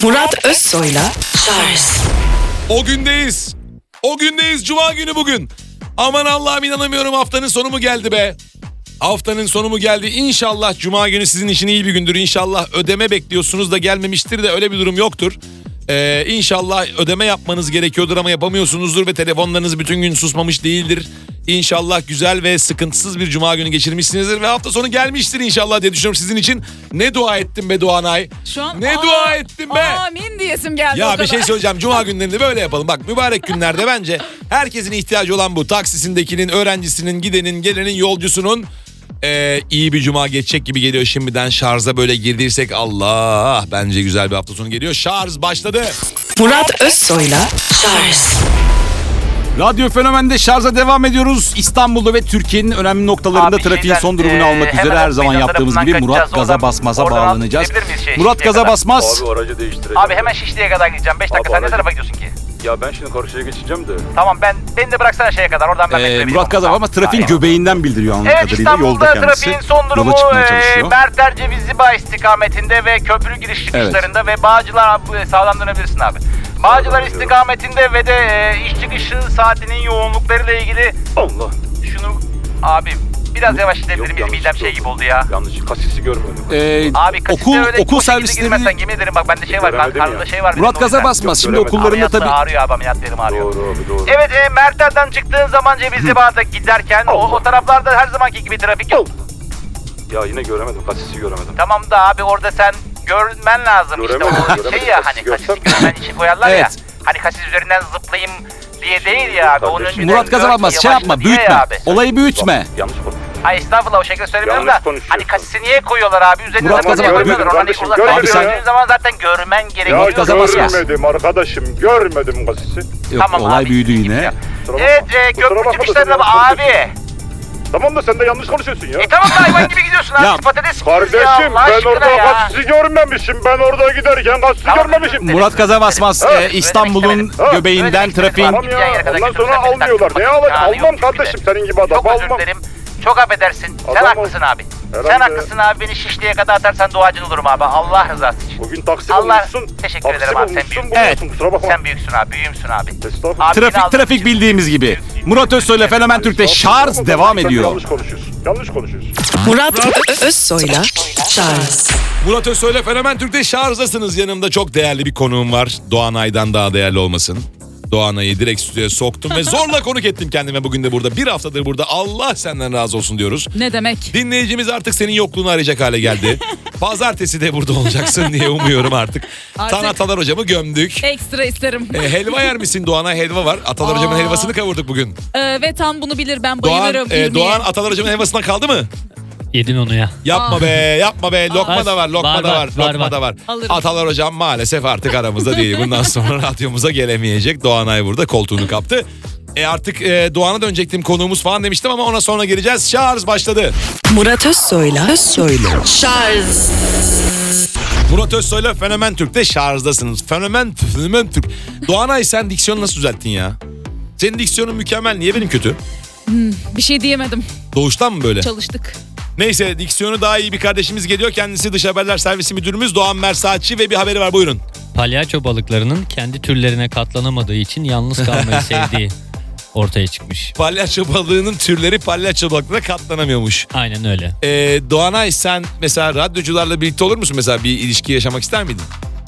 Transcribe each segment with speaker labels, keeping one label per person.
Speaker 1: Murat Özsoy'la Charles.
Speaker 2: O gündeyiz. O gündeyiz. Cuma günü bugün. Aman Allah'ım inanamıyorum, haftanın sonu mu geldi be? Haftanın sonu mu geldi? İnşallah Cuma günü sizin için iyi bir gündür. İnşallah ödeme bekliyorsunuz da gelmemiştir de öyle bir durum yoktur. İnşallah ödeme yapmanız gerekiyordur ama yapamıyorsunuzdur ve telefonlarınız bütün gün susmamış değildir. İnşallah güzel ve sıkıntısız bir Cuma günü geçirmişsinizdir ve hafta sonu gelmiştir inşallah diye düşünüyorum sizin için. Ne dua ettim be Doğanay.
Speaker 3: Şu an
Speaker 2: ne dua ettim be.
Speaker 3: Amin diyesim geldi.
Speaker 2: Ya bir şey söyleyeceğim. Cuma günlerinde böyle yapalım. Bak mübarek günlerde bence herkesin ihtiyacı olan bu. Taksisindekinin, öğrencisinin, gidenin, gelenin, yolcusunun iyi bir cuma geçecek gibi geliyor şimdiden. Şarja böyle girdiysek Allah, bence güzel bir hafta sonu geliyor. Şarj başladı.
Speaker 1: Murat Özsoy'la Charles.
Speaker 4: Radyo Fenomen'de şarja devam ediyoruz. İstanbul'da ve Türkiye'nin önemli noktalarında trafiğin son durumunu almak üzere her zaman yaptığımız gibi Murat Gaza Basmaz'a bağlanacağız. Murat Gaza Basmaz.
Speaker 5: Abi aracı değiştireceğim.
Speaker 6: Abi hemen Şişli'ye kadar gideceğim. 5 dakika,
Speaker 5: Abi,
Speaker 6: sen ne tarafa gidiyorsun ki?
Speaker 5: Ya ben şimdi karşıya geçeceğim de.
Speaker 6: Tamam, beni de bıraksana şeye kadar, oradan ben bekleyebilirim.
Speaker 4: Murat Gaza Basmaz trafiğin göbeğinden bildiriyor anladığım
Speaker 6: Evet,
Speaker 4: kadarıyla. Yolda
Speaker 6: İstanbul'da
Speaker 4: kendisi
Speaker 6: trafiğin son durumu
Speaker 4: yola çıkmaya çalışıyor.
Speaker 6: Merter Cevizlibağ istikametinde ve köprü giriş çıkışlarında ve Bağcılar, sağdan dönebilirsin abi. Bağcılar istikametinde ve de iş çıkışı saatinin yoğunluklarıyla ilgili
Speaker 5: Allah.
Speaker 6: şunu abi biraz yavaş gidebilir miyiz?
Speaker 5: yanlış
Speaker 6: Midem şey gibi oldu ya.
Speaker 5: Yanlış, kasisi görmedim.
Speaker 6: Abi kasiste öyle
Speaker 4: okul
Speaker 6: koşu gibi
Speaker 4: servisleri
Speaker 6: girmezsen yemin ederim bak bende şey var,
Speaker 5: Göremedim
Speaker 6: karnımda
Speaker 5: ya.
Speaker 6: şey var.
Speaker 4: Murat
Speaker 6: benim, o
Speaker 4: Gaza
Speaker 6: yüzden.
Speaker 4: Basmaz. Şimdi
Speaker 5: göremedim.
Speaker 4: okullarında
Speaker 6: Ameliyatla
Speaker 4: tabii.
Speaker 6: ağrıyor abi, ameliyatlarım ağrıyor.
Speaker 5: Doğru abi, doğru.
Speaker 6: Evet, Merter'den çıktığın zaman Cevizlibağ'da giderken o taraflarda her zamanki gibi trafik yok.
Speaker 5: Ya yine göremedim, kasisi göremedim.
Speaker 6: Tamam da abi orada sen görmen lazım
Speaker 5: Göremedim,
Speaker 6: işte o
Speaker 5: göremedim.
Speaker 6: şey ya,
Speaker 5: Kasisi
Speaker 6: hani kasisi
Speaker 5: görsem-
Speaker 6: görmen için koyarlar ya.
Speaker 4: Evet.
Speaker 6: Hani kasis üzerinden zıplayayım diye değil ya abi. Onun
Speaker 5: Kardeşim,
Speaker 6: önceden
Speaker 4: Murat Gaza
Speaker 6: gör,
Speaker 4: Basmaz şey
Speaker 6: yavaşla
Speaker 4: yapma,
Speaker 6: diye
Speaker 4: büyütme.
Speaker 6: ya abi.
Speaker 4: Olayı büyütme.
Speaker 5: Bak, yanlış konuş.
Speaker 6: Ay estağfurullah, o şekilde söylemiyorum
Speaker 5: Yanlış
Speaker 6: da
Speaker 5: konuşuyorsun.
Speaker 6: hani kasisi niye koyuyorlar abi? Üzerine
Speaker 4: Murat Gaza Basmaz,
Speaker 6: koymuyorlar. Oradan
Speaker 5: kardeşim,
Speaker 6: uzaktan
Speaker 5: görmedim
Speaker 4: ya.
Speaker 6: gördüğün zaman zaten görmen gerekiyor.
Speaker 4: Murat Gaza Basmaz.
Speaker 5: görmedim arkadaşım, görmedim kasisi.
Speaker 4: Yok,
Speaker 6: Tamam
Speaker 4: olay
Speaker 6: abi,
Speaker 4: büyüdü
Speaker 6: git
Speaker 4: yine.
Speaker 6: ya.
Speaker 5: Kusura
Speaker 6: Evet,
Speaker 5: bakma. Kusura
Speaker 6: köprü
Speaker 5: bakma da
Speaker 6: çıkışlarında
Speaker 5: sen yanlış
Speaker 6: abi.
Speaker 5: Tamam da sen de yanlış konuşuyorsun ya.
Speaker 6: Tamam da hayvan gibi gidiyorsun abi.
Speaker 4: Ya,
Speaker 6: Patates gibi
Speaker 5: Kardeşim
Speaker 6: ya, Allah
Speaker 5: ben
Speaker 6: aşkına
Speaker 5: orada
Speaker 6: ya.
Speaker 5: kasisi görmemişim. Ben orada giderken kasisi
Speaker 6: Tamam,
Speaker 5: görmemişim.
Speaker 4: Murat Gaza Basmaz İstanbul'un
Speaker 5: Ha,
Speaker 4: göbeğinden trafiğin.
Speaker 5: Tamam ya, ondan sonra almıyorlar. Ne almam kardeşim, senin gibi adam
Speaker 6: Çok özür
Speaker 5: almam.
Speaker 6: dilerim. Çok affedersin. Sen
Speaker 5: Adam
Speaker 6: haklısın abi.
Speaker 5: Herhalde.
Speaker 6: Sen haklısın abi. Beni Şişli'ye kadar atarsan duacın olurum abi. Allah rızası için.
Speaker 5: Bugün taksim
Speaker 6: Allah-
Speaker 5: olmuşsun.
Speaker 6: Teşekkür ederim abi, sen büyüksün.
Speaker 5: Buluyorsun, kusura bakma.
Speaker 6: Sen büyüksün abi. Büyüğümsün abi.
Speaker 5: Estağfurullah.
Speaker 6: Abi, beni aldığın
Speaker 4: Trafik
Speaker 6: için-
Speaker 4: bildiğimiz gibi. Murat Özsoy'la Fenomen Türk'te şarj
Speaker 5: Sen
Speaker 4: devam
Speaker 5: Yanlış
Speaker 4: ediyor.
Speaker 5: konuşuyorsun. Yanlış konuşuyorsun.
Speaker 1: Murat Özsoy'la Charles.
Speaker 2: Murat Özsoy'la Fenomen Türk'te şarjdasınız. Yanımda çok değerli bir konuğum var. Doğanay'dan daha değerli olmasın. Doğanay'ı direkt stüdyoya soktum ve zorla konuk ettim kendime bugün de burada. Bir haftadır burada. Allah senden razı olsun diyoruz.
Speaker 3: Ne demek?
Speaker 2: Dinleyicimiz artık senin yokluğunu arayacak hale geldi. Pazartesi de burada olacaksın diye umuyorum artık.
Speaker 3: Artık-
Speaker 2: Tan Atalar hocamı gömdük.
Speaker 3: Ekstra isterim.
Speaker 2: Helva yer misin Doğan'a? Helva var. Atalar hocamın helvasını kavurduk bugün.
Speaker 3: Ve tam bunu bilir, ben
Speaker 2: Doğan,
Speaker 3: bayılırım. irmiye.
Speaker 2: Doğan Atalar hocamın helvasından kaldı mı?
Speaker 7: Yedin onu ya.
Speaker 2: Yapma be, yapma be. Lokma
Speaker 7: Var,
Speaker 2: da var, lokma
Speaker 7: var,
Speaker 2: da var,
Speaker 7: var,
Speaker 2: lokma
Speaker 7: var.
Speaker 2: da var.
Speaker 3: Alırım.
Speaker 2: Atalar hocam maalesef artık aramızda değil. Bundan sonra radyomuza gelemeyecek. Doğanay burada koltuğunu kaptı. Artık Doğan'a dönecektim, konuğumuz falan demiştim ama ona sonra geleceğiz. Şarj başladı.
Speaker 1: Murat Özsoy'la Charles.
Speaker 2: Murat Özsoy'la Fenomen Türk'te şarjdasınız. Fenomen Türk. Doğanay, sen diksiyonu nasıl düzelttin ya? Senin diksiyonun mükemmel. Niye benim kötü?
Speaker 3: Bir şey diyemedim.
Speaker 2: Doğuştan mı böyle?
Speaker 3: Çalıştık.
Speaker 2: Neyse, diksiyonu daha iyi bir kardeşimiz geliyor. Kendisi Dış Haberler Servisi Müdürümüz Doğan Mersaatçı ve bir haberi var, buyurun.
Speaker 7: Palyaço balıklarının kendi türlerine katlanamadığı için yalnız kalmayı sevdiği ortaya çıkmış.
Speaker 2: Palyaço balığının türleri palyaço balıklara katlanamıyormuş.
Speaker 7: Aynen öyle.
Speaker 2: Doğanay, sen mesela radyocularla birlikte olur musun? Mesela bir ilişki yaşamak ister miydin?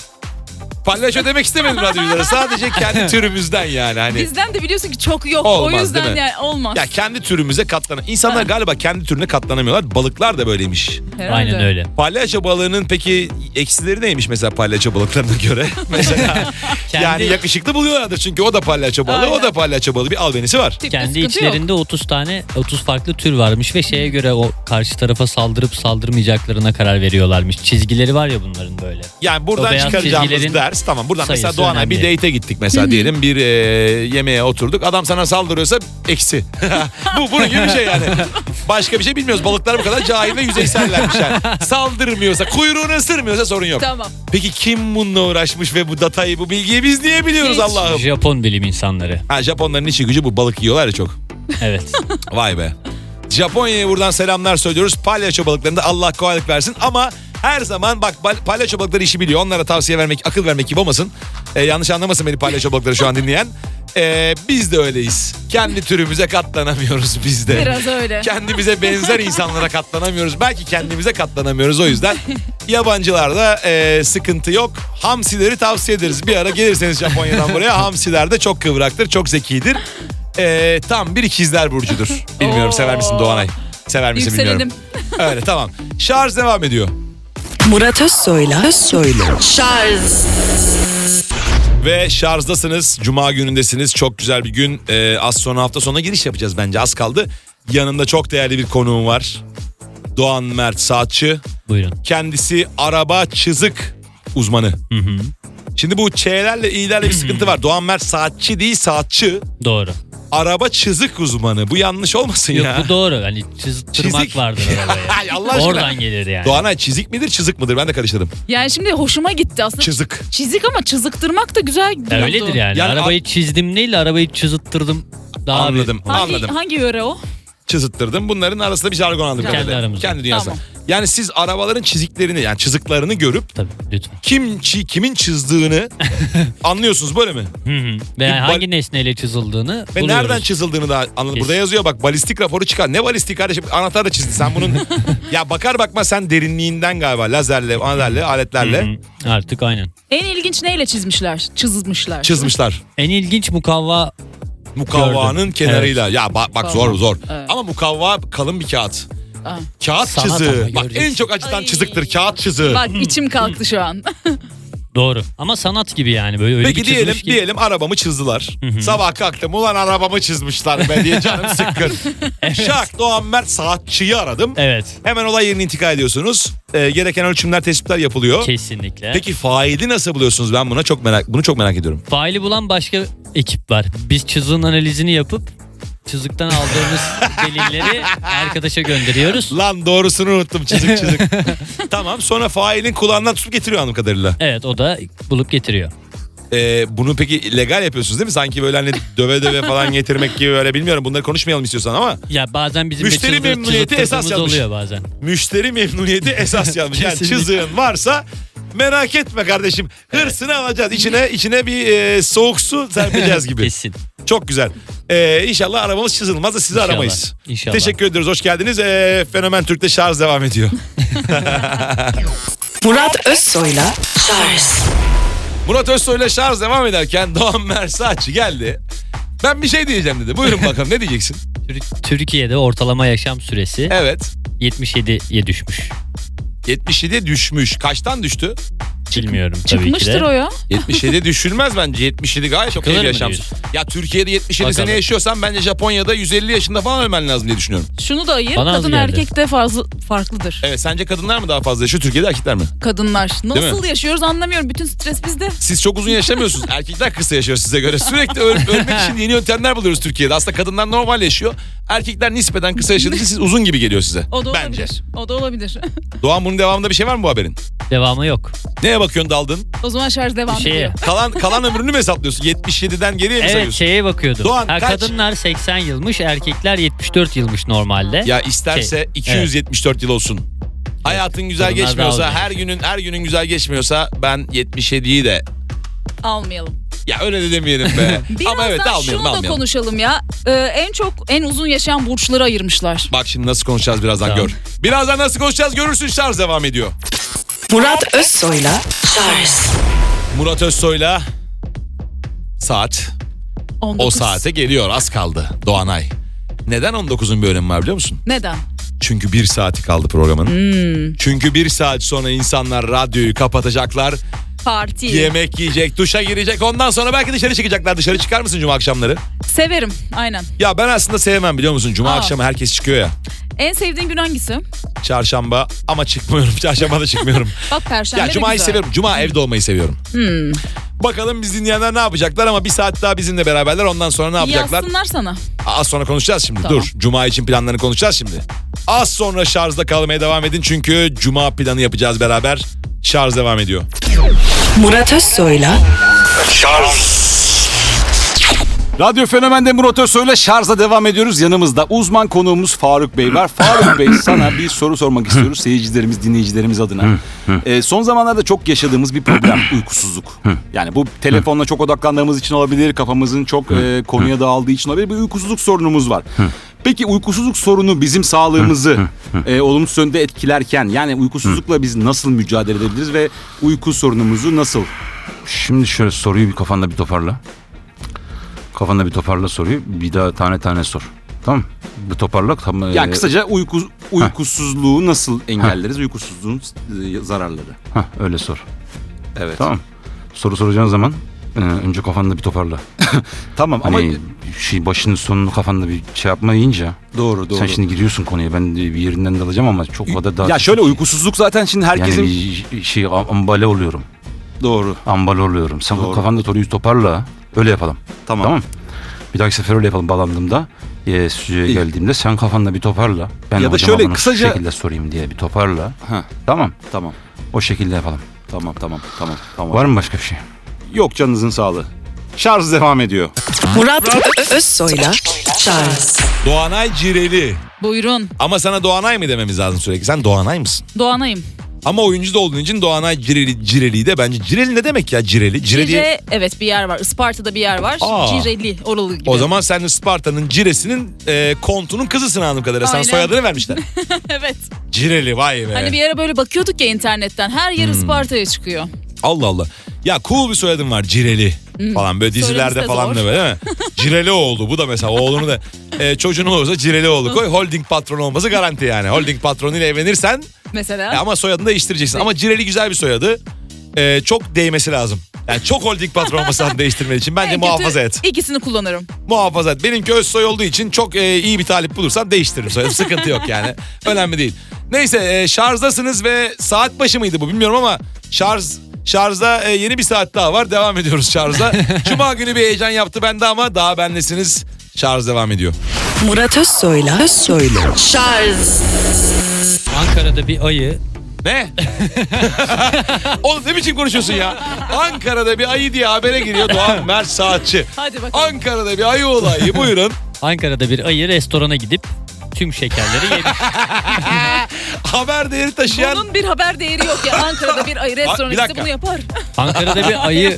Speaker 2: Palyaço demek istemedim radyoculara. Sadece kendi türümüzden yani. Hani
Speaker 3: Bizden de biliyorsun ki çok yok.
Speaker 2: Olmaz,
Speaker 3: o yüzden
Speaker 2: değil mi?
Speaker 3: yani olmaz.
Speaker 2: ya kendi türümüze İnsanlar galiba kendi türüne katlanamıyorlar. Balıklar da böyleymiş.
Speaker 3: Herhalde.
Speaker 7: Aynen öyle.
Speaker 2: Palyaço balığının peki eksileri neymiş mesela palyaço balıklarına göre? Mesela yani yakışıklı buluyorlardır çünkü o da palyaço balığı, o da
Speaker 3: Aynen.
Speaker 2: palyaço balığı, bir albenisi var.
Speaker 3: Tipte
Speaker 7: Kendi
Speaker 3: sıkıntı
Speaker 7: içlerinde 30 farklı tür varmış ve şeye göre o karşı tarafa saldırıp saldırmayacaklarına karar veriyorlarmış. Çizgileri var ya bunların böyle.
Speaker 2: Yani
Speaker 7: O
Speaker 2: buradan
Speaker 7: beyaz
Speaker 2: çıkaracağımız
Speaker 7: çizgilerin
Speaker 2: ders, tamam, buradan mesela
Speaker 7: sayısı
Speaker 2: Doğan'a bir
Speaker 7: önemli.
Speaker 2: date'e gittik mesela diyelim, bir yemeğe oturduk, adam sana saldırıyorsa eksi. Bunun gibi bir şey yani. Başka bir şey bilmiyoruz, balıklar bu kadar cahil ve yüzeysellermiş yani. Saldırmıyorsa, kuyruğunu ısırmıyorsa sorun yok.
Speaker 3: Tamam.
Speaker 2: Peki kim bununla uğraşmış ve bu datayı, bu bilgiyi biz niye biliyoruz
Speaker 3: Hiç.
Speaker 2: Allah'ım?
Speaker 7: Japon bilim insanları.
Speaker 2: Japonların işi gücü bu, balık yiyorlar ya çok.
Speaker 7: Evet.
Speaker 2: Vay be. Japonya'ya buradan selamlar söylüyoruz. Palyaço balıklarında Allah kolaylık versin ama Her zaman bak palyaço balıkları işi biliyor. Onlara tavsiye vermek, akıl vermek gibi olmasın. Yanlış anlamasın beni palyaço balıkları şu an dinleyen. Biz de öyleyiz. Kendi türümüze katlanamıyoruz biz de.
Speaker 3: Biraz öyle.
Speaker 2: Kendimize benzer insanlara katlanamıyoruz. Belki kendimize katlanamıyoruz o yüzden. Yabancılarda sıkıntı yok. Hamsileri tavsiye ederiz. Bir ara gelirseniz Japonya'dan buraya. Hamsiler de çok kıvraktır, çok zekidir. Tam bir ikizler burcudur. Bilmiyorum sever misin Doğanay? Sever misin bilmiyorum.
Speaker 3: Yükselelim.
Speaker 2: Öyle tamam. Şarj devam ediyor.
Speaker 1: Murat Özsoy'la Şarj.
Speaker 2: Ve şarjdasınız. Cuma günündesiniz. Çok güzel bir gün. Az sonra hafta sonuna giriş yapacağız bence. Az kaldı. Yanında çok değerli bir konuğum var. Doğan Mert Saatçı.
Speaker 7: Buyurun.
Speaker 2: Kendisi araba çizik uzmanı. Şimdi bu Ç'lerle İ'lerle bir sıkıntı var. Doğan Mert Saatçı değil Saatçı.
Speaker 7: Doğru.
Speaker 2: Araba çizik uzmanı. Bu yanlış olmasın
Speaker 7: Yok
Speaker 2: ya.
Speaker 7: bu doğru. Hani çizdirmek
Speaker 2: Çizik.
Speaker 7: vardır arabaya.
Speaker 2: Ay, Allah aşkına.
Speaker 7: Oradan gelir yani.
Speaker 2: Doğanay çizik midir çizik midir? Ben de karıştırdım.
Speaker 3: Yani şimdi hoşuma gitti aslında.
Speaker 2: Çizik.
Speaker 3: Çizik ama çizıktırmak da güzel oldu.
Speaker 7: Öyledir yani.
Speaker 2: Yani
Speaker 7: arabayı çizdim değil, arabayı çizittirdim. Daha
Speaker 2: Anladım. Anladım.
Speaker 3: Hangi yöre o?
Speaker 2: Çizittirdim. Bunların arasında bir jargon aldım.
Speaker 7: Kendi aramızda.
Speaker 2: Kendi dünyası.
Speaker 3: Tamam.
Speaker 2: Yani siz arabaların çiziklerini yani çiziklerini görüp
Speaker 7: Tabii lütfen.
Speaker 2: kimin çizdığını anlıyorsunuz böyle mi?
Speaker 7: Ve
Speaker 2: Bir
Speaker 7: hangi nesneyle çizildiğini
Speaker 2: Ve
Speaker 7: buluyoruz.
Speaker 2: nereden çizildiğini da anladım. Burada yazıyor bak balistik raporu çıkar. Ne balistik kardeşim? Anahtar da çizdi. Sen bunun ya bakar bakmaz sen derinliğinden galiba lazerle, aletlerle
Speaker 7: Artık aynen.
Speaker 3: En ilginç neyle çizmişler?
Speaker 2: çizmişler.
Speaker 7: En ilginç
Speaker 2: Mukavvanın
Speaker 7: Gördüm.
Speaker 2: kenarıyla. Ya bak zor.
Speaker 3: Evet.
Speaker 2: Ama mukavva kalın bir kağıt.
Speaker 3: Aa.
Speaker 2: Kağıt
Speaker 7: Sanat
Speaker 2: çiziği.
Speaker 7: ama
Speaker 2: Bak
Speaker 7: göreceksin.
Speaker 2: en çok acıtan
Speaker 3: Ay.
Speaker 2: çiziktir kağıt çiziği.
Speaker 3: Bak içim kalktı şu an.
Speaker 7: Doğru. Ama sanat gibi yani. Böyle öyle
Speaker 2: Peki
Speaker 7: bir çizmiş ki.
Speaker 2: diyelim arabamı çizdiler. Sabah kalktım ulan arabamı çizmişler be diye canım sıkkın. Şak Doğan Mert Saatçı'yı aradım.
Speaker 7: Evet.
Speaker 2: Hemen olay yerine intikal ediyorsunuz. Gereken ölçümler, tespitler yapılıyor.
Speaker 7: Kesinlikle.
Speaker 2: Peki faili nasıl buluyorsunuz? Ben bunu çok merak ediyorum.
Speaker 7: Faili bulan başka ekip var. Biz çizim analizini yapıp çizikten aldığımız delilleri arkadaşa gönderiyoruz.
Speaker 2: Lan doğrusunu unuttum çizik. Tamam sonra failin kulağından tutup getiriyor anladığım kadarıyla.
Speaker 7: Evet o da bulup getiriyor.
Speaker 2: Bunu peki legal yapıyorsunuz değil mi? Sanki böyle hani döve falan getirmek gibi öyle bilmiyorum. Bunları konuşmayalım istiyorsan ama.
Speaker 7: Ya bazen bizim
Speaker 2: Müşteri memnuniyeti esas yazmış.
Speaker 7: oluyor bazen.
Speaker 2: Müşteri memnuniyeti esas yazmış. Yani
Speaker 7: Kesinlikle.
Speaker 2: çiziğin varsa merak etme kardeşim. Hırsını alacağız. İçine bir soğuk su serpeceğiz gibi.
Speaker 7: Kesin.
Speaker 2: Çok güzel. İnşallah arabamız çizilmez de sizi
Speaker 7: İnşallah.
Speaker 2: aramayız.
Speaker 7: İnşallah.
Speaker 2: Teşekkür ediyoruz. Hoş geldiniz. Fenomen Türk'te şarj devam ediyor.
Speaker 1: Murat Özsoy'la Şarj.
Speaker 2: Murat Özsoy'la şarj devam ederken Doğan Mersaççı geldi. Ben bir şey diyeceğim dedi. Buyurun bakalım ne diyeceksin?
Speaker 7: Türkiye'de ortalama yaşam süresi
Speaker 2: Evet.
Speaker 7: 77'ye düşmüş.
Speaker 2: 77'ye düşmüş. Kaçtan düştü?
Speaker 7: Bilmiyorum tabii ki
Speaker 3: Çıkmıştır
Speaker 7: de.
Speaker 3: o ya.
Speaker 2: 77 düşülmez bence. 77 gayet çok iyi
Speaker 7: Çıkılır
Speaker 2: bir
Speaker 7: mı
Speaker 2: yaşam.
Speaker 7: diyorsun?
Speaker 2: Ya Türkiye'de 77
Speaker 7: Bakalım.
Speaker 2: sene yaşıyorsan bence Japonya'da 150 yaşında falan ölmen lazım diye düşünüyorum.
Speaker 3: Şunu da ayır.
Speaker 7: Bana az
Speaker 3: Kadın
Speaker 7: geldi.
Speaker 3: erkek de farklıdır.
Speaker 2: Evet sence kadınlar mı daha fazla yaşıyor Türkiye'de erkekler mi?
Speaker 3: Kadınlar.
Speaker 2: mi?
Speaker 3: Nasıl yaşıyoruz anlamıyorum. Bütün stres bizde.
Speaker 2: Siz çok uzun yaşamıyorsunuz. Erkekler kısa yaşıyor size göre. Sürekli ölmek için yeni yöntemler buluyoruz Türkiye'de. Aslında kadınlar normal yaşıyor. Erkekler nispeten kısa yaşadığı için siz uzun gibi geliyor size.
Speaker 3: O da
Speaker 2: bence.
Speaker 3: olabilir. O da olabilir.
Speaker 2: Doğan bunun devamında bir şey var mı bu haberin?
Speaker 7: Devamı yok.
Speaker 2: Neye bakıyorsun daldın?
Speaker 3: O zaman şarj devam
Speaker 7: Şeye.
Speaker 3: ediyor.
Speaker 2: Kalan ömrünü mü hesaplıyorsun? 77'den geriye mi
Speaker 7: Evet
Speaker 2: sayıyorsun?
Speaker 7: şeye bakıyordum.
Speaker 2: Doğan, kaç?
Speaker 7: Kadınlar 80 yılmış, erkekler 74 yılmış normalde.
Speaker 2: Ya isterse 274 yıl olsun. Hayatın güzel
Speaker 7: Kadınlar
Speaker 2: geçmiyorsa,
Speaker 7: daha
Speaker 2: her günün güzel geçmiyorsa ben 77'yi de
Speaker 3: Almayalım.
Speaker 2: ya öyle de demeyelim be.
Speaker 3: Birazdan
Speaker 2: Ama evet
Speaker 3: şunu da
Speaker 2: almayalım.
Speaker 3: konuşalım ya. En uzun yaşayan burçları ayırmışlar.
Speaker 2: Bak şimdi nasıl konuşacağız birazdan
Speaker 7: Tamam.
Speaker 2: gör. Birazdan nasıl konuşacağız görürsün şarj devam ediyor.
Speaker 1: Murat Özsoy'la Şarj.
Speaker 2: Murat Özsoy'la saat
Speaker 3: 19.
Speaker 2: o saate geliyor az kaldı Doğanay. Neden 19'un bir önemi var biliyor musun?
Speaker 3: Neden?
Speaker 2: Çünkü 1 saati kaldı programın. Çünkü 1 saat sonra insanlar radyoyu kapatacaklar.
Speaker 3: Parti.
Speaker 2: Yemek yiyecek, duşa girecek. Ondan sonra belki dışarı çıkacaklar. Dışarı çıkar mısın cuma akşamları?
Speaker 3: Severim. Aynen.
Speaker 2: Ya ben aslında sevmem biliyor musun? Cuma akşamı herkes çıkıyor ya.
Speaker 3: En sevdiğin gün hangisi?
Speaker 2: Çarşamba ama çıkmıyorum. Çarşamba da çıkmıyorum.
Speaker 3: Bak perşembe
Speaker 2: Ya
Speaker 3: de
Speaker 2: cumayı
Speaker 3: güzel.
Speaker 2: seviyorum. Cuma evde olmayı seviyorum. Bakalım biz dinleyenler ne yapacaklar ama bir saat daha bizimle beraberler. Ondan sonra ne yapacaklar?
Speaker 3: Yazsınlar sana.
Speaker 2: Az sonra konuşacağız şimdi.
Speaker 3: Tamam.
Speaker 2: Dur. Cuma için planlarını konuşacağız şimdi. Az sonra şarjda kalmaya devam edin. Çünkü cuma planı yapacağız beraber. Şarj devam ediyor.
Speaker 4: Radyo Fenomen'de Murat Özsoy'la şarja devam ediyoruz. Yanımızda uzman konuğumuz Faruk Bey var. Faruk Bey, sana bir soru sormak istiyoruz seyircilerimiz, dinleyicilerimiz adına. Son zamanlarda çok yaşadığımız bir problem, uykusuzluk. Yani bu telefonla çok odaklandığımız için olabilir, kafamızın çok konuya dağıldığı için olabilir, bir uykusuzluk sorunumuz var. Peki uykusuzluk sorunu bizim sağlığımızı olumsuz yönde etkilerken, yani uykusuzlukla biz nasıl mücadele edebiliriz ve uyku sorunumuzu nasıl?
Speaker 8: Şimdi şöyle soruyu bir kafanda bir toparla. Kafanda bir toparla soruyu. Bir daha tane tane sor. Tamam. Bir toparla. Tam,
Speaker 4: Yani kısaca uykusuzluğu nasıl engelleriz? Uykusuzluğun zararları.
Speaker 8: Öyle sor.
Speaker 4: Evet.
Speaker 8: Tamam. Soru soracağın zaman önce kafanda bir toparla.
Speaker 4: Tamam
Speaker 8: Hani
Speaker 4: ama
Speaker 8: başının sonunu kafanda bir şey yapma deyince.
Speaker 4: doğru.
Speaker 8: Sen şimdi giriyorsun konuya. Ben de bir yerinden dalacağım ama çok o da daha.
Speaker 4: Ya şöyle uykusuzluk zaten şimdi herkesin
Speaker 8: yani bir ambale oluyorum.
Speaker 4: doğru.
Speaker 8: Ambale oluyorum. Sen
Speaker 4: Doğru.
Speaker 8: kafanda soruyu toparla. Öyle yapalım.
Speaker 4: Tamam.
Speaker 8: Bir dahaki sefer öyle yapalım bağlandığımda. Stüdyoya geldiğimde sen kafanda bir toparla. Ben
Speaker 4: Ya da
Speaker 8: hocama
Speaker 4: şöyle
Speaker 8: bunu
Speaker 4: kısaca-
Speaker 8: şu şekilde sorayım diye bir toparla.
Speaker 4: Ha,
Speaker 8: Tamam.
Speaker 4: tamam.
Speaker 8: O şekilde yapalım.
Speaker 4: Tamam.
Speaker 8: Var mı başka bir şey?
Speaker 4: Yok, canınızın sağlığı. Şarj devam ediyor.
Speaker 1: Murat Özsoy'la Charles
Speaker 2: Doğanay Cireli.
Speaker 3: Buyurun.
Speaker 2: Ama sana Doğanay mı dememiz lazım sürekli? Sen Doğanay mısın?
Speaker 3: Doğanayım.
Speaker 2: Ama oyuncu da olduğun için Doğanay Cireli de bence. Cireli ne demek ya Cireli? Cire diye.
Speaker 3: Cire, evet bir yer var. Isparta'da bir yer var.
Speaker 2: Aa.
Speaker 3: Cireli, oralı gibi.
Speaker 2: O zaman sen Isparta'nın Cire'sinin kontunun kızısın anladığım kadarıyla. Sana
Speaker 3: Aynen.
Speaker 2: soyadını vermişler.
Speaker 3: Evet.
Speaker 2: Cireli, vay be.
Speaker 3: Hani bir ara böyle bakıyorduk ya internetten. Her yer Isparta'ya çıkıyor.
Speaker 2: Allah Allah. Ya cool bir soyadın var, Cireli falan, böyle dizilerde
Speaker 3: Söylemesi de
Speaker 2: falan
Speaker 3: zor.
Speaker 2: da böyle değil mi? Cireli oğlu, bu da mesela oğlunu da çocuğun olursa Cireli oğlu koy. Holding patronu olması garanti yani. Holding patronuyla evlenirsen
Speaker 3: Mesela.
Speaker 2: ama soyadını değiştireceksin. Ama Cireli güzel bir soyadı. Çok değmesi lazım. Yani çok holding patron olmasını değiştirmen için bence
Speaker 3: En kötü
Speaker 2: muhafaza et.
Speaker 3: İkisini kullanırım.
Speaker 2: Muhafaza et. Benimki Özsoy olduğu için çok iyi bir talip bulursam değiştiririm soyadı. Sıkıntı yok yani. Önemli değil. Neyse şarjdasınız ve saat başı mıydı bu bilmiyorum ama şarjda yeni bir saat daha var. Devam ediyoruz şarjda. Cuma günü bir heyecan yaptı bende ama daha bendesiniz. Şarj devam ediyor.
Speaker 1: Murat Özsoy'la Charles
Speaker 7: Ankara'da bir ayı
Speaker 2: Ne? Oğlum ne biçim konuşuyorsun ya? Ankara'da bir ayı diye habere giriyor Doğan Mert Saatçi.
Speaker 3: Hadi bakalım.
Speaker 2: Ankara'da bir ayı olayı, buyurun.
Speaker 7: Ankara'da bir ayı restorana gidip tüm şekerleri yemiş.
Speaker 2: Haber değeri taşıyan...
Speaker 3: Bunun bir haber değeri yok ya. Ankara'da bir ayı restoranı
Speaker 2: bir
Speaker 3: işte
Speaker 2: dakika.
Speaker 3: bunu yapar.
Speaker 7: Ankara'da bir ayı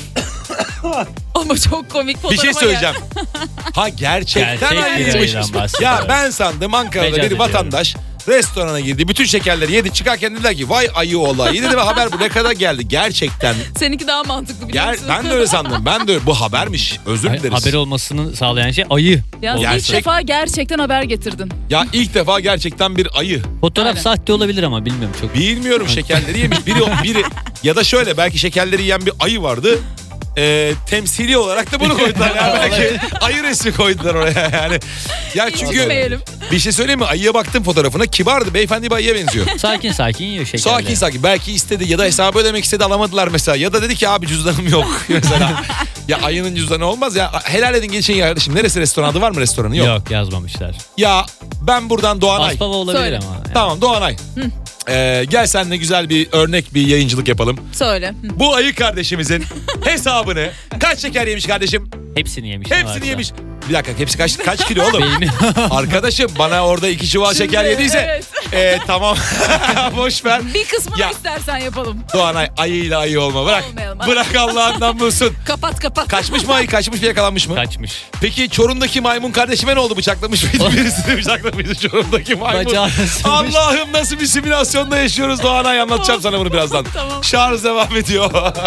Speaker 3: Ama çok komik
Speaker 2: Bir
Speaker 3: fotoğrafa
Speaker 2: şey söyleyeceğim. Ha gerçekten
Speaker 7: Gerçek bir
Speaker 2: ayıymış.
Speaker 7: ayıdan bahsediyor.
Speaker 2: Ya ben sandım Ankara'da
Speaker 7: Mecaz
Speaker 2: bir
Speaker 7: ediyorum.
Speaker 2: vatandaş restorana girdi. Bütün şekerleri yedi, çıkarken dediler ki vay ayı olayı. Dedi ve haber bu ne kadar geldi. Gerçekten.
Speaker 3: Seninki daha mantıklı biliyor musun?
Speaker 2: Ben de öyle sandım. Ben de bu habermiş. Özür dileriz.
Speaker 7: haber olmasını sağlayan şey ayı.
Speaker 3: Ya ilk
Speaker 2: Gerçek-
Speaker 3: defa gerçekten haber getirdin.
Speaker 2: Ya ilk defa gerçekten bir ayı.
Speaker 7: Fotoğraf
Speaker 3: Aynen.
Speaker 7: sahte olabilir ama bilmiyorum çok.
Speaker 2: Bilmiyorum, şekerleri yemiş. Biri ya da şöyle belki şekerleri yiyen bir ayı vardı. Temsili olarak da bunu koydular. Yani belki ayı resmi koydular oraya yani. Ya çünkü
Speaker 3: İncinmeyelim.
Speaker 2: bir şey söyleyeyim mi? Ayıya baktım fotoğrafına. Kibardı. Beyefendi bir ayıya benziyor.
Speaker 7: Sakin sakin yiyor şekerleri.
Speaker 2: Sakin. Belki istedi ya da hesabı ödemek istedi, alamadılar mesela. Ya da dedi ki abi cüzdanım yok mesela. Ya ayının cüzdanı olmaz ya. Helal edin geçin ya kardeşim. Neresi restoran, adı var mı restoranı? Yok.
Speaker 7: Yok yazmamışlar.
Speaker 2: Ya ben buradan Doğanay.
Speaker 7: Aspava olabilir
Speaker 3: Söyle.
Speaker 7: ama. Yani.
Speaker 2: Tamam Doğanay. Gel seninle güzel bir örnek bir yayıncılık yapalım.
Speaker 3: Söyle. Hı.
Speaker 2: Bu ayı kardeşimizin hesabını kaç şeker yemiş kardeşim?
Speaker 7: Hepsini yemiş. ne
Speaker 2: Hepsini
Speaker 7: varsa.
Speaker 2: yemiş. Bir dakika hepsi kaç kilo oğlum?
Speaker 7: Beyni.
Speaker 2: Arkadaşım bana orada 2 çuval şeker yediyse tamam boş ver.
Speaker 3: Bir kısmını
Speaker 2: Ya.
Speaker 3: istersen yapalım.
Speaker 2: Doğanay ayıyla ayı olma bırak.
Speaker 3: Olmayalım.
Speaker 2: Bırak Allah'ından bulsun.
Speaker 3: Kapat.
Speaker 2: Kaçmış mı ayı, kaçmış mı, yakalanmış mı?
Speaker 7: Kaçmış.
Speaker 2: Peki Çorum'daki maymun kardeşime ne oldu, bıçaklamış mıydı? Birisini bıçaklamıştı Çorum'daki maymun.
Speaker 7: Bacağını sıkmış.
Speaker 2: Allah'ım nasıl bir simülasyonda yaşıyoruz Doğanay, anlatacağım sana bunu birazdan.
Speaker 3: Tamam.
Speaker 2: Şarj devam ediyor.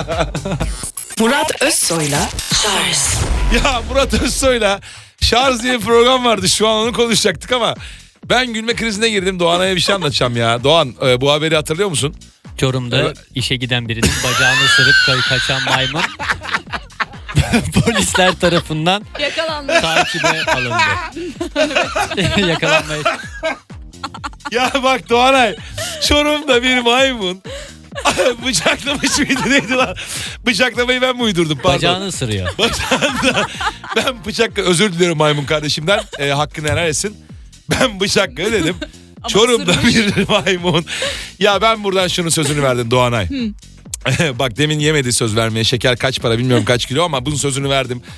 Speaker 1: Murat Özsoy'la Charles
Speaker 2: Ya Murat Özsoy'la Şarj diye bir program vardı, şu an onu konuşacaktık ama ben gülme krizine girdim. Doğanay'a bir şey anlatacağım ya. Doğan bu haberi hatırlıyor musun?
Speaker 7: Çorum'da
Speaker 2: Evet.
Speaker 7: işe giden birinin bacağını ısırıp kaçan maymun polisler tarafından
Speaker 3: Yakalandı.
Speaker 7: takibe alındı. Yakalanmaya.
Speaker 2: Ya bak Doğanay, Çorum'da bir maymun bıçaklamış mıydı neydi lan? Bıçaklamayı ben mi uydurdum pardon.
Speaker 7: Bacağını ısırıyor.
Speaker 2: Bacağında ben bıçakla, özür diliyorum maymun kardeşimden, hakkını helal etsin. Ben bıçakla dedim. Çorum'da
Speaker 3: ısırmış.
Speaker 2: bir maymun. Ya ben buradan şunun sözünü verdim Doğanay. Bak demin yemedi söz vermeye. Şeker kaç para bilmiyorum, kaç kilo, ama bunun sözünü verdim.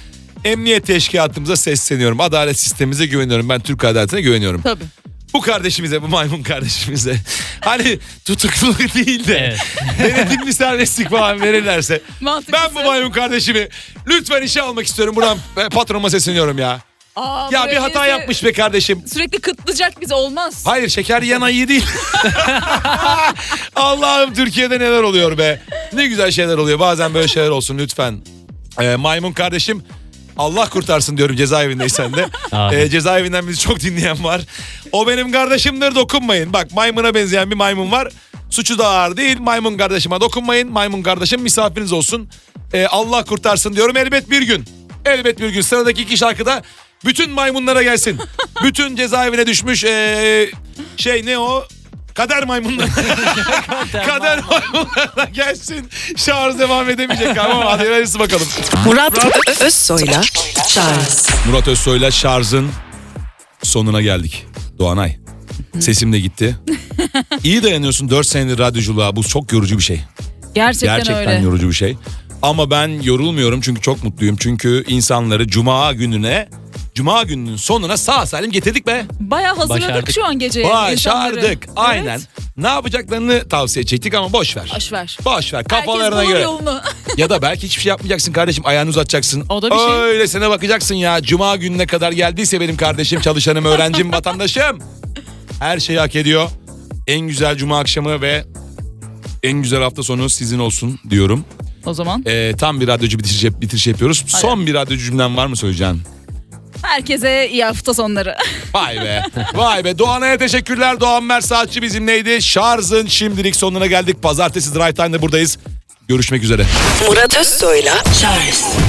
Speaker 2: Emniyet teşkilatımıza sesleniyorum. Adalet sistemimize güveniyorum. Ben Türk adaletine güveniyorum.
Speaker 3: Tabii.
Speaker 2: Bu kardeşimize, bu maymun kardeşimize hani tutukluluk değil de denetimli serbestlik falan verirlerse ben bu maymun kardeşimi lütfen işe almak istiyorum. Buradan patronuma sesleniyorum ya.
Speaker 3: Aa,
Speaker 2: Ya bir hata yapmış be kardeşim.
Speaker 3: Sürekli kıtlayacak bizi, olmaz.
Speaker 2: Hayır, şeker yiyen ayı değil. Allah'ım, Türkiye'de neler oluyor be. Ne güzel şeyler oluyor. Bazen böyle şeyler olsun lütfen. Maymun kardeşim, Allah kurtarsın diyorum cezaevindeysen de. Cezaevinden bizi çok dinleyen var. O benim kardeşimdir, dokunmayın. Bak, maymuna benzeyen bir maymun var. Suçu da ağır değil. Maymun kardeşime dokunmayın. Maymun kardeşim misafiriniz olsun. Allah kurtarsın diyorum. Elbet bir gün. Elbet bir gün sıradaki iki şarkıda bütün maymunlara gelsin. Bütün cezaevine düşmüş ne o? Kader maymunlar. Kader maymunlarına gelsin. Şarj devam edemeyecek ama hadi hayırlısı bakalım.
Speaker 1: Murat Özsoy'la Charles.
Speaker 2: Murat Özsoy'la Şarj'ın sonuna geldik. Doğanay. Sesim de gitti. İyi dayanıyorsun 4 senedir radyoculuğa. Bu çok yorucu bir şey.
Speaker 3: Gerçekten öyle.
Speaker 2: Yorucu bir şey. Ama ben yorulmuyorum çünkü çok mutluyum. Çünkü insanları Cuma gününün sonuna sağ salim getirdik be.
Speaker 3: Bayağı hazırladık
Speaker 7: Başardık.
Speaker 3: şu an geceye.
Speaker 2: Başardık.
Speaker 3: insanları.
Speaker 2: Aynen.
Speaker 3: Evet.
Speaker 2: Ne yapacaklarını tavsiye edecektik ama boş ver.
Speaker 3: Boş ver.
Speaker 2: Boş ver. Kafalarına
Speaker 3: Herkes bulur
Speaker 2: göre.
Speaker 3: yolunu.
Speaker 2: Ya da belki hiçbir şey yapmayacaksın kardeşim. Ayağını uzatacaksın.
Speaker 3: O da bir şey.
Speaker 2: Öylesine bakacaksın ya. Cuma gününe kadar geldiyse benim kardeşim, çalışanım, öğrencim, vatandaşım. Her şeyi hak ediyor. En güzel cuma akşamı ve en güzel hafta sonu sizin olsun diyorum.
Speaker 3: O zaman
Speaker 2: Tam bir radyocu bitiriş yapıyoruz.
Speaker 3: Hadi.
Speaker 2: Son bir radyocu cümlem var mı söyleyeceğin?
Speaker 3: herkese iyi hafta sonları.
Speaker 2: Vay be. Vay be. Doğanay'a teşekkürler. Doğan Mer Saatçi bizimleydi. Şarj'ın şimdilik sonuna geldik. Pazartesi Drive Time'da buradayız. Görüşmek üzere.
Speaker 1: Murat Özsoy'la Charles.